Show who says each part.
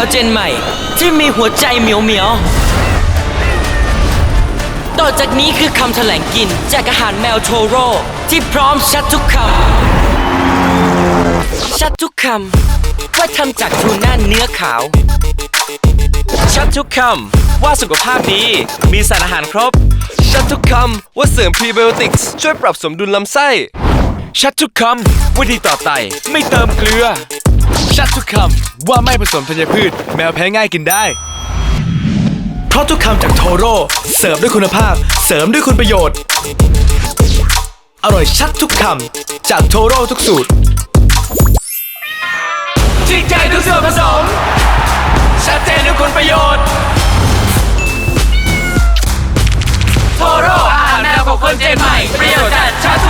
Speaker 1: วเจนใหม่ที่มีหัวใจเหมียวเหมียวต่อจากนี้คือคำแถลงกินจากอาหารแมวโทโร่ที่พร้อมชัดทุกคำชัดทุกคำว่าทำจากทูน่าเนื้อขาว
Speaker 2: ชัดทุกคำว่าสุขภาพดีมีสารอาหารครบชัดทุกคำว่าเสริมพรีไบโอติกส์ช่วยปรับสมดุลลำไส้ชัดทุกคำว่าดีต่อไตไม่เติมเกลือชัดทุกคำว่าไม่ผสมธัญพืชแมวแพ้ง่ายกินได้เพราะทุกคำจากโทโร่เสิร์ฟด้วยคุณภาพเสริมด้วยคุณประโยชน์อร่อยชัดทุกคำจากโทโร่ทุกสูตรจริงใจทุกส่วนผสมชัดเจนด้วยคุณประโยชน์โทโร่อาหารแมวของคนเจนใหม่ประโยชน์จัดชัด